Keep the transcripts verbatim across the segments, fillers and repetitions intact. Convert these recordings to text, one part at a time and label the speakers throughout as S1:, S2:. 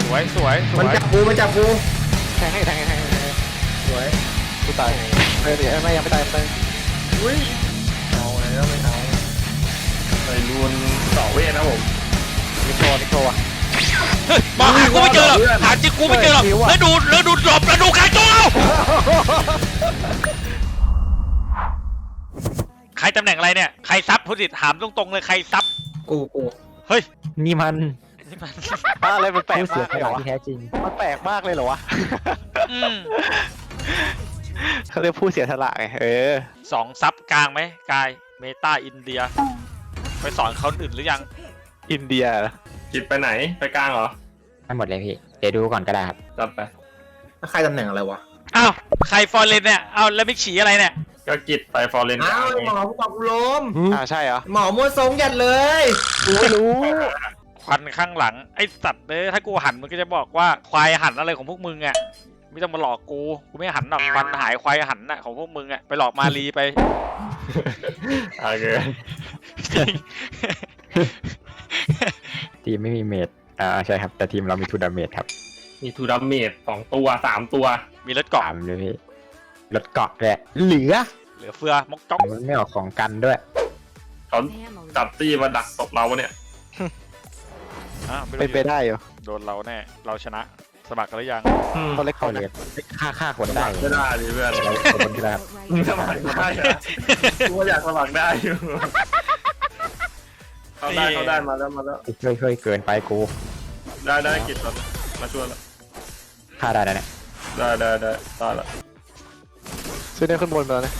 S1: สวยสวยสว
S2: มัน
S1: ย
S2: จับกูมันจับกู
S3: แทงให้แทงให้แทงให้แทงให้
S2: สวย
S3: กูตายเออเดี๋ยวไม่ยังไม่ตายไม่ตาย
S2: อุ้ยเอาแล้วไม่เอาไปรูนต่อเวทนะผม
S3: มิโชว์มิโชว์อะ
S1: มาหากูไม่เจอหรอกหาจริงกูไม่เจอหรอกแล้วดูแล้วดูหลบแล้วดูการโจมใครตำแหน่งอะไรเนี่ยใครซับผู้สิทธิ์ถามตรงๆเลยใครซับ
S2: กูกู
S1: เฮ้ย
S4: นี่มัน
S1: นี่มัน
S3: อะไรมันแปลก
S4: ผู้เสี
S3: มาย ก
S4: ส
S3: เลยเหร
S4: ละ
S3: อวะ
S4: ที่แท้จริง
S3: มันแปลกมากเลยเหรอวะ
S1: อืม
S3: เขาเรียกผู้เสียสละไงเออ
S1: สองซับกลางไหมกายเมตาอินเดียไปสอนเขาอื่นหรือยัง
S3: อินเดีย
S2: จิตไปไหนไปกลางเหรอ
S4: ไม่หมดเลยพี่ เดี๋ยวดูก่อนก็ได้ครับ
S2: จับไปใครตำแหน่งอะไรวะ
S1: อ้าวใครฟอร์เรนเนี่ยเอาแล้วมิกฉีอะไรเนี่ย
S2: ก็กิจไปฟอร์เรนอ้าวหมอผู้กองกูล้ม
S3: อ่าใช่เหรอ
S2: หมอมัวทรงยัดเลย
S3: กูไม่รู้
S1: ควันข้างหลังไอสัตว์เลยถ้ากูหันมันก็จะบอกว่าควายหันอะไรของพวกมึงอ่ะไม่ต้องมาหลอกกูกูไม่หันหรอกควันหายควายหันน่ะของพวกมึงอ่ะไปหลอกมาลีไป
S2: โอเค
S1: จริง
S4: ทีมไม่มีเมดอ่าใช่ครับ แต่ทีมเรามีทูดาเมจครับ
S2: มีทูดัมเมจสองตัวสามตัว
S1: มีรถเกาะ
S4: สามเลยพี่รถเกาะแหละเหลือ
S1: เหลือเฟือมกจ๊อก
S4: มันไม่ออกของกันด้วย
S2: เขาจับตี้มาดักตบเราเนี่ย
S1: อ่ะไม่
S3: เป็นไป
S1: รู้
S3: ได้เหรอ
S1: โดนเราแน่เราชนะสมัครกันหรือยัง
S3: เขาเล็ก
S4: เข้า
S3: เขา
S4: เล
S3: เล็
S4: ย
S3: ก
S4: ฆ่าฆ่าคนได้
S2: ไม่ได้ดิเพื่อน
S4: เราคนที่แล้ว
S2: มึงสมัครได้เหรอกูอยากสมัครได้อยู่เขาได้เขาได้มาแล้วมาแล้ว
S4: ช่วยช่วยเกินไปกู
S2: ได้ได้กิจตอนมาช่วยแล้ว
S4: ฆ่าได้นะเนี่ย
S2: ได้ได้ได้ได้ละ
S3: ช่วยได้ขึ้นบนไปแล้วนะ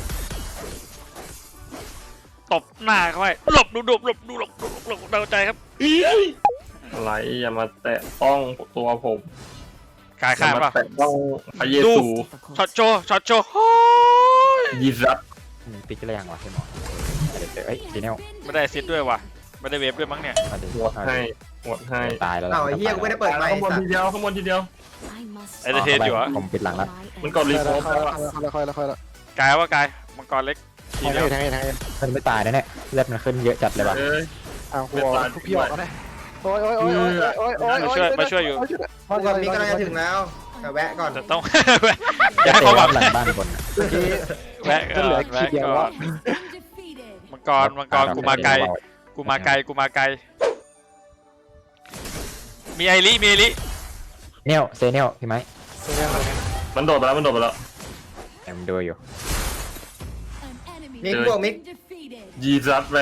S1: ตบหน้าเขาไว้หลบดูหลบหลบดูหลบหลบหลบเดาใจครับ
S2: อะไรอย่ามาแตะต้องตัวผม
S1: กาย
S2: อย่า
S1: ข้าม
S2: มา
S1: ป่ะ
S2: แตะต้องพระเยซู
S1: ช็อตโชว์ช็อตโชว์โอ้ย
S2: ยีซัส
S4: มันปิกอะไรยังวะพี่หมอเอ้ยซีเนล
S1: ไม่ได้ซิดด้วยว่ะไม่ได้เวฟด้วยมั้งเนี่ย
S4: มาดิ
S2: หมดให้หมดให้
S4: ตายแล้ว
S5: เอาไอ้เหี้ยกูไม่ได้เปิดไมค์
S2: ข้างบนทีเดียวข้างบนทีเดียว
S1: เอเดเทนอยู่เหรอ
S4: ผมปิดหลังแล้ว
S2: มันกดรีโฟ
S3: ค่อย
S2: ล์
S3: แล้วค่อยแล้วค่อยแล้ว
S1: กายว่ากายมังกรเล็กที
S3: แทง
S1: เดียว
S3: ให้แทงให้แทงให้
S4: มันไม่ตายนะเนี่ยเลือดมันขึ้นเยอะจัดเลยว่ะ
S2: เอ้ย
S3: อ้าวกูออกพี่ออกก็ได้โอ้ยโอ้ยโอ้ยโอ้ยโอ้ย
S1: มาช่วยมาช่วยอยู่
S5: กูกับมิกกำลังจะถึงแล้วแต่แวะก่อน
S1: แต่ต้อง อย่าให้ความหวัง
S4: หลังบ้านคน
S3: เมื่อกี้
S1: แวะก่อนแวะก่อนมังกรมังกรกูมาไกลกูมาไกลกูมาไกลมีไอริมีไอริ
S4: เนลเซเนลพี่ไม้
S2: มันโดดไปแล้วมันโดดไปแล้ว
S4: แอมดูอยู่
S5: มิกบวกมิก
S2: ยีซัสไป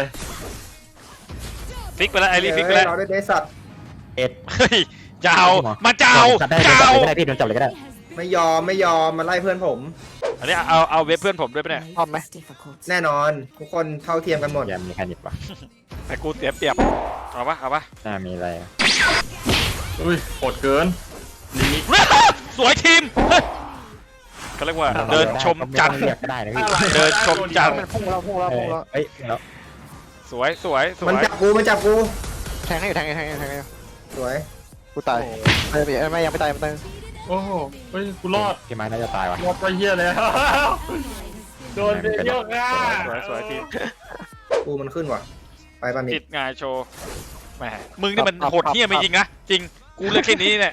S1: ฟิกไปแล้วไอริฟิกไป
S5: เอ้
S1: แล้
S5: ยว เราได้เดสัตว์
S4: เอ็ด
S1: เฮ้ยจะเอามาจะเอา
S4: จับได้
S1: จะ
S4: จับ
S1: เอา
S4: เลยก็ได้พี่โดนจับเลยก็ได้
S5: ไม่ยอมไม่ยอมมาไล่เพื่อนผม
S1: อันนี้เอาเอาเว็บเพื่อนผมด้วยปะเนี่ย
S3: พร้อมไหม
S5: แน่นอน ทุกคนเท่าเทียมกันหมด
S4: ยังมีใครนิดวะ
S1: แต่กูเสียเปรียบเอาปะเอาปะ
S4: น่ามีอะไร
S2: อุ้ยโหดเกินลิมิต
S1: สวยทีมเฮ้ยเขาเรียกว่าเดินชมจันทร์
S4: เรียกก็ได้นะพี่
S1: เดินชมจันทร์
S3: มันพุ่งแล้วพุ่งแล้วพุ่งแล้ว
S4: เอ้ยแล้ว
S1: สวยสวยสว
S5: มัน
S1: ย
S5: จับกูมันจับกู
S3: แทงให้แทงให้แทงให้แทงให้
S5: สวย
S3: กูตายไม่ไม่ยังไม่ตายไม่ตาย
S2: โอ้โหเฮ้ยกูรอด
S4: พี่ไม้น่าจะตายวะ
S2: รอดไปเหี้ยเลยโดนไปเยอะอ่ะ
S1: สวยสวยทีม
S5: กูมันขึ้นว่ะไปป่ะมิ
S1: ติ
S5: ก
S1: ดงานโชว์แหมมึงนี่มันโหดเหี้ยไม่จริงนะจริงกูเลือกแค่นี้เนี่ย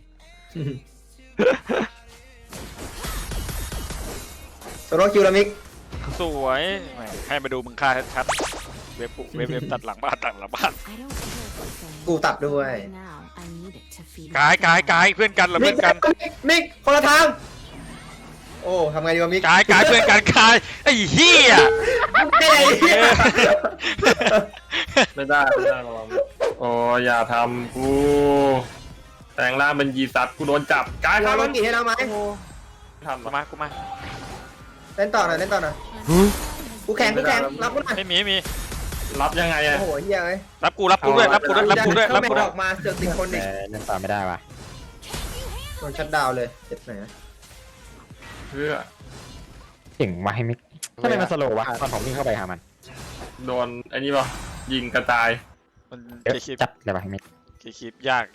S5: โซโลคิวแล้วมิก
S1: สวยแหมให้มาดูมึงค่าชัดๆเว็บปุ๊เว็บเว็บตัดหลังบ้านตัดหลังบ้าน
S5: กูตัดด้วย
S1: กายกายกายเพื่อนกันเหรา
S5: มิ
S1: เพื่
S5: ก
S1: อนกัน
S5: มิกมิกคนละทางโอ้ทำไงดีวะมิก
S1: กายกายเพื่อนกันกายไอ้เหี้ย
S5: ไอ้เหี้ย
S2: ไม่ได้ไม่ได้ระวังโอ้อย่าทำกูแต่งร่างเป็นยีซัสกูโดนจับกาย
S5: เรา
S2: ทำ
S5: ล
S2: มั
S5: ง
S2: น
S5: กี่ให้เราไหม
S2: ทำ
S1: กูมากูมา
S5: เล่นต่อหน่อยเล่นต่อหน่อยกูแข่งกูแข่งรับกูหน่อย
S1: ไม่มีไม่มี
S2: รับยังไงอะ
S5: โอ้โหเฮียเอ้ย
S1: รับกูรับกูด้วยรับกูด้วยรับกูด้วยรับกูด้วย
S5: ออกมาเสือกติดคนอีก
S4: แต่เล่นตามไม่ได้วะ
S5: โดนชัดดาวเลยเจ็บไหน
S2: เพื่อ
S4: เก่งวะให้มิกทำไมมันสโลว์วะตอนผมวิ่งเข้าไปหามัน
S2: โดนไอ้นี่ป่ะยิงกระจาย
S1: มัน
S4: เยอะ
S1: คีบ
S4: จัดเลยวะให้มิก
S1: คีบยาก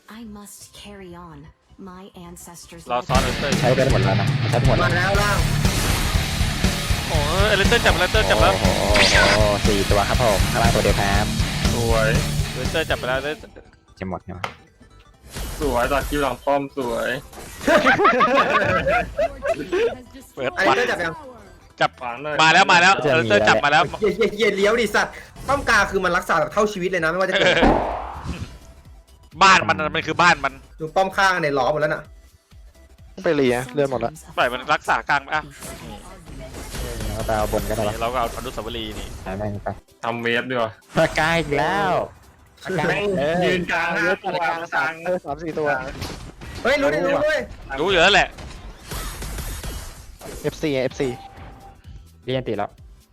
S6: ร
S1: ร
S6: อ
S1: อ
S6: ซ้
S1: ซ้
S6: อ
S1: อน นเอเตอร์
S4: ใช้ไปหมดแล้วนะใช้หมด
S5: มา
S4: แล้ว
S5: แล้วล่าง
S1: โอ้ยเอเตอร์จับเอเตอร์จับแล้ว
S4: โอ้โหโอ้โหสี่ตัวครับผมข้างล่างตัวเดียวครับ
S2: สวย
S1: เอเตอร์จับไปแล้ว
S4: จะหมดเนี่ยวะ
S2: สวยตัดคิวหลังป้อมสวย
S1: เปิด
S5: อัน
S1: ปั
S5: นี้
S1: ด
S5: เตอร์จับยัง
S1: จับ
S2: ขวางหน่อย
S1: มาแล้วมาแล้วเออเตอร์จับมาแล้ว
S5: เย่เย่เย่เลี้ยวดิสัตว์ป้อมกลางคือมันรักษาแบบเท่าชีวิตเลยนะไม่ว่าจะ
S1: เอ
S5: เกิด
S1: อบ้านมันน่ะมันคือบ้านมัน
S5: ดูป้อมข้างเนี่ยล้อหมดแล้วน่ะ
S3: ไปเรียเลื่อนหมดแล้ว
S1: ปล่อยมันรักษากลางไปอ่ะ
S4: เราไปเอาบนกัน
S1: นี่
S4: เหรอ
S1: เราก็เอาอนุสาวรีย์นี่
S4: หายแม่งไป
S2: ทำเวฟดีกว่า
S4: ปากกาอีกแล้วปากกา
S2: แม่ง
S4: เออ
S2: ยืนกลางห้าตัว
S3: กลางสามเออสามสี่ตัว
S5: เฮ้ยรู้ดิรู้ด้วย
S1: รู้อยู่แล้วแหละ
S3: เอฟซีเอฟซี
S4: เรียนติดแล้ว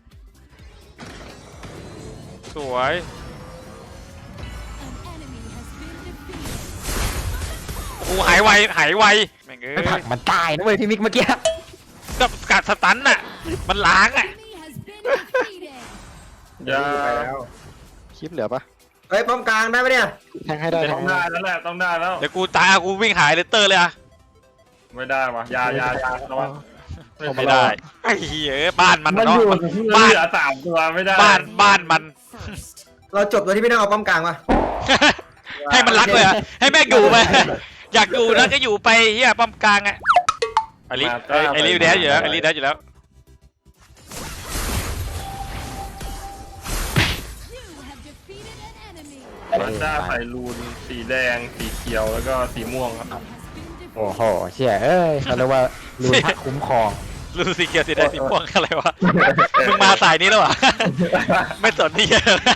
S1: สวยกูหายไวหายไวแม่งเอ้
S4: ไม่ผลั
S1: ย
S4: กมันตายนะเว้ยพี่มิกเมื่อกี้
S1: กับกัดสตันน่ะมันล้างอ่ะ
S2: อย่า
S3: คลิปเหลือปะ
S5: เฮ้ยป้อมกลางได้ปะเนี่ย
S3: แทงให้ได้แท
S2: ต้อง ง
S3: ให้
S2: ได้
S3: ได้
S2: แล้วแหละต้องได้แล้ว
S1: เดี๋ยวกูตายเอากูวิ่งหายเลเตอร์เลยอ่ะ
S2: ไม่ได้วะอยาอยาอยาระวัง
S1: ไม่ได้ไอ้เหี้ยบ้านมัน
S2: มัน
S1: เนาะ
S2: อยู่
S1: มัน
S2: บ้า
S1: บ้าน น
S2: เหลือสามตัวไม่ได้
S1: บ้านบ้านมัน
S5: เราจบตัวที่ไม่ต้องเอาป้อมกลางว่ะ
S1: ให้มันรักเลยอ่ะให้แม่งอยู่ไปอยากอยู่แล้วก็อยู่ไปเฮียป้อมกลางอ่ะไอริไอ้ไอริแดนอยู่แล้วไอริแดนอยู่แล้ว
S2: มันจะใส่รูนสีแดงสีเขียวแล้วก็สีม่วงครับ
S4: โอ้โหเชี่ยเอ้ยเขาเรียกว่ารูนพักคุ้มครอง
S1: รู้สีเขียวสีแดงสีม่วงอะไรวะมึงมาสายนี้แล้ววะไม่สนนี่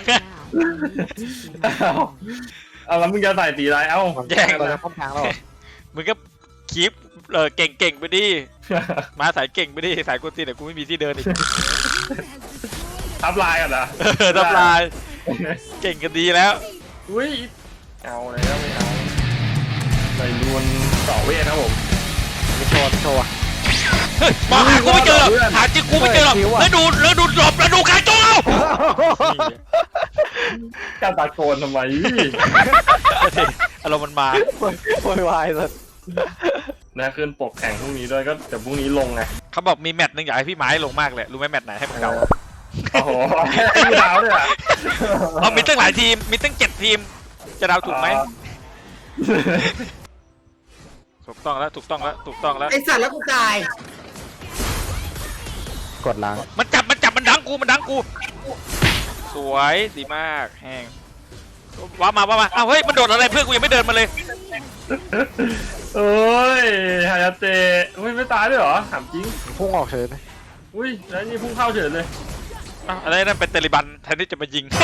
S2: เอาแล้วมึงจะใส่สีอะไรเอ้า
S1: แย่ง
S3: เราจะป้อมกลางแล้วเหรอ
S1: มึงก็คีปเออเก่งเก่งไปดิมาสายเก่งไปดิสายกูตีแต่กูไม่มีที่เดินอีก
S2: ทับลายกันนะ
S1: เออทับลายเก่งกันดีแล้ว
S2: อุ้ยเอาแล้วไม่เอาใส่รูนต่อเวทครับผม
S3: ไม่โชว์ไม่โชว์อะ
S1: เฮ้ยมาหากูไม่เจอหรอกหาจริงกูไม่เจอหรอกแล้วดูแล้วดูหลบแล้วดูการโจเอา
S2: การตะโกนทำไม
S1: อารมณ์มันมา
S3: โวยวายสัส
S2: นะขึ้นปกแข่งพรุ่งนี้ด้วยก็แต่พรุ่งนี้ลงไง
S1: เขาบอกมีแมตช์หนึงอยากให้พี่ไม้ลงมากเลยรู้ไหมแมตช์ไหนให้มันเก่า
S2: โอ้โหให้กูดาวเลยอ่ะ
S1: เอามีตั้งหลายทีมมีตั้งเจ็ดทีมจะเดาถูกไหมถูกต้องแล้วถูกต้องแล้วถูกต้องแล้ว
S5: ไอสัตว์แล้วกูตาย
S4: กดล้าง
S1: มันจับมันจับมันดังกูมันดังกูสวยดีมากแห้งว้ามาว้ามาอ้าวเฮ้ยมันโดดอะไรเพื่อนกูยังไม่เดินมาเลย
S2: เอ้ยฮายาเตะอุ้ยไม่ตายด้วยเหรอถามจริง
S3: พุ่งออกเฉยเลย
S2: อุ้ยแล้วนี่พุ่งเข้าเฉยเลย
S1: อ้าวอะไรนั่นเป็นเตลิบันแทนที่จะมายิง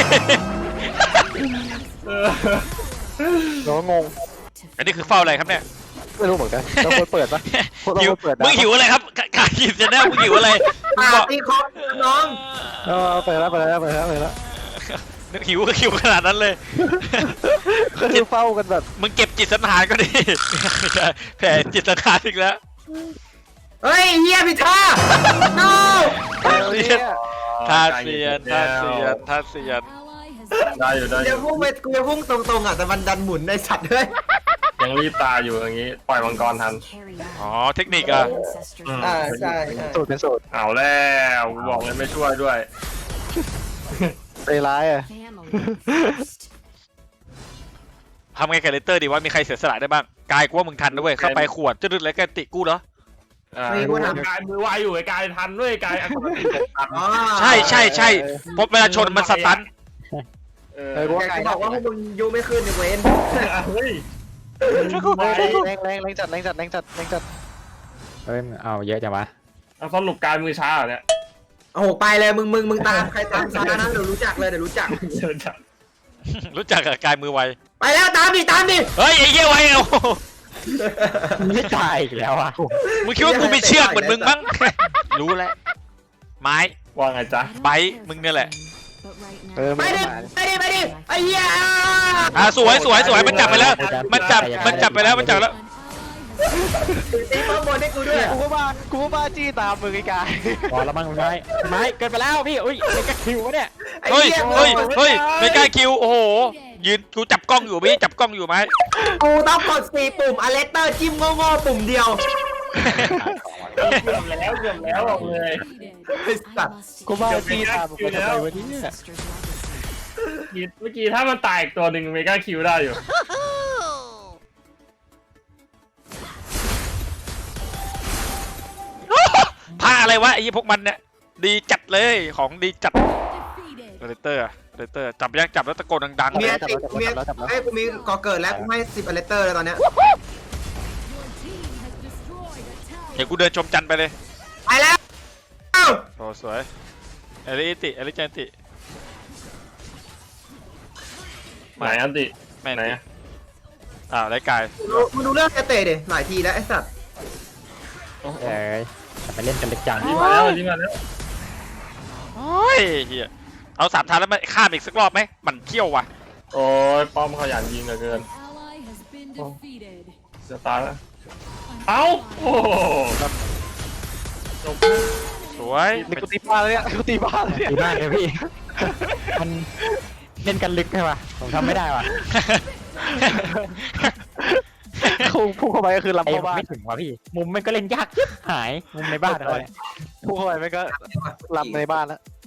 S2: เออ
S3: เราก็งง
S1: อันนี้คือเฝ้าอะไรครับเนี่ย
S3: ไม่รู้เหมือนกันเราควรเปิดปะเรา
S1: หิว
S3: ควรเปิดนะ
S1: มึงหิวอะไรครับกกากินจะแน่มึงหิวอะไรมึ
S5: ปาง
S1: บอก
S5: ตีคอน้อง
S3: เออเปิดแล้วเปิดแล้วเปิดแล้วเปิดแล้ว
S1: นึกหิวก็หิวขนาดนั้นเลย
S3: คือเฝ้ากันแบบ
S1: มึงเก็บจิตสังหารก็ดี แผลจิตสังหารอีกแล้ว
S5: เฮ้ยเฮียพิธา no
S1: ท่าเสียนท่าเสียนท่าเสียน
S2: ได้อยู่ได้อ
S5: เดี๋ยว
S2: ยู่
S5: พุ่งไปกูจะพุ่งตรงๆอ่ะแต่มันดันหมุนในสัตว์ด้วย
S2: ยังรีบตายอยู่อย่างงี้ปล่อยมังกรทัน
S1: อ๋อเทคนิคอะ
S2: อืม
S5: อ่าใช่ใช่
S3: สูตรเป็นสูตร
S2: เอาแล้วบอกเลยไม่ช่วยด้วย
S3: ใจร้ายอ่ะ
S1: ทำไงกับเลเตอร์ดีว่ามีใครเสียสละได้บ้างกายกูว่ามึงทันนะเว้ยเข้าไปขวดจะดึกแล้วแกติกูเหรอ
S2: อ่ากายมือไวอยู่ไอ้กายทันด้วยกายอัตโนมัติทัน
S5: อ๋อ
S1: ใช่ใช่ใช่เพราะเวลาชนมันสตัน
S2: เออ
S3: เออกู
S5: แก
S3: ว่าไง
S5: ก็บอกว่าพวกมึงยูไม่ขึ้นในเวน
S2: เฮ้ย
S3: แรงแรงแรงจัดแรงจัดแรงจัดแรงจัด
S4: เฮ้ยเอาเยอะจังวะ
S2: เอาสรุปกายมือช้าเหรอเนี่ย
S5: โอ้โหไปเลยมึงมึงมึงตามใครตามซานะเดี๋ยวรู้จักเลยเดี๋ยวรู้จัก
S2: เดินจับ
S1: รู้จักกับกายมือไว
S5: ไปแล้วตามดิตามดิ
S1: เฮ้ยไอ้เหี้ยไวเอา
S4: ไม่ตายอีกแล้วอ่ะ
S1: มึงคิดว่ากูมีเชือกเหมือนมึงมั้ง รู้แล้วไม้
S2: ว่าไงจ๊ะ
S1: ไบท์มึงเนี่ยแหละ
S3: เออ
S5: ไป
S3: ไม่
S5: ดิ
S3: มา
S5: ไปดิไปดิไอ้เหี้ย
S1: อ่ะสวยสวยสวยมันจับไปแล้ว มันจับมันจับไปแล้วมันจับแล้ว
S5: ตีป้อมบนให้กูด้วย
S3: กูก็บ้ากูก็บ้าจี้ตามมึงไอ้กาย
S4: พอแล้วมั้งไม้ไม้เกินไปแล้วพี่อุ้ยเป็นกระคิววะเนี่ย
S5: ไอ้
S1: เฮ้ย
S5: เหี้ย
S1: เฮ้ยเฮ้ยไม่กล้าคิวโอ้โหยืนกูจับกล้องอยู่พี่จับกล้องอยู่ไหม
S5: กูต้องกดสี่ปุ่มอเลสเตอร์จิ้มโง่ๆปุ่มเดียว
S2: เกือบแล้วเกือบแล้วบอกเลย
S5: ไอ้สัตว์
S3: กูบ้าจี้ตามมึงไปทำไมวะเนี่ย
S2: เมื่อกี้ถ้ามันตายอีกตัวหนึ่งเมกาคิวได้อยู่
S1: อะไรวะไอ้พวกมันเนี่ยดีจัดเลยของดีจัดเลเตอร์เลเตอร์จับยังจับแล้วตะโกนดังๆ
S5: กู
S1: เล
S5: มี
S1: ย
S5: อันติกูมีไอ้ยกูมีก่อเกิดแล้วกูให้สิบอเลเตอร์เลยตอนเนี้ย
S1: เดี๋ยวกูเดินชมจันทร์ไปเลย
S5: ไปแล้วเอ้า
S1: โอ้สวยเอลิติเอลิจันติ
S2: ไหนอันติ
S1: แม่ง
S2: ไหน
S1: ติ
S2: อะ
S1: อ่าวไรกาย
S5: ดูมึงดูเรื่องเตะดิหลายทีแล้วไอ้สัตว์
S2: โอ้โห
S4: เอ้ยจะไปเล่นกันเล็กจัง
S2: รีบมาแล้วรีบมาแล้ว
S1: โอ้ยเฮียเอาสามทานแล้วมาข้ามอีกสักรอบไหมมันเขี้ยวว่ะ
S2: โอ้ยป้อมขยันยิงเหลือเกินจะตายแล้วเอ้าโอ้โหจบ
S1: สวย
S3: นี่กูตีบ้านเลยเนี่ยกูตีบ้านเลยเนี่ย
S4: ดีมากเลยพี่ มันเล่นกันลึกใช่ป่ะผมทำไม่ได้ว่ะ
S3: พุ่งพุ่งเข้าไปก็คือลำ
S4: ไอ้
S3: เข้าบ้าน
S4: ไม่ถึงว่ะพี่ มุมมันก็เล่นยากชิบหายมุมในบ้านเขาเนี่ย
S3: พุ่งเข้าไปไม่ก็ลำในบ้านแล้ว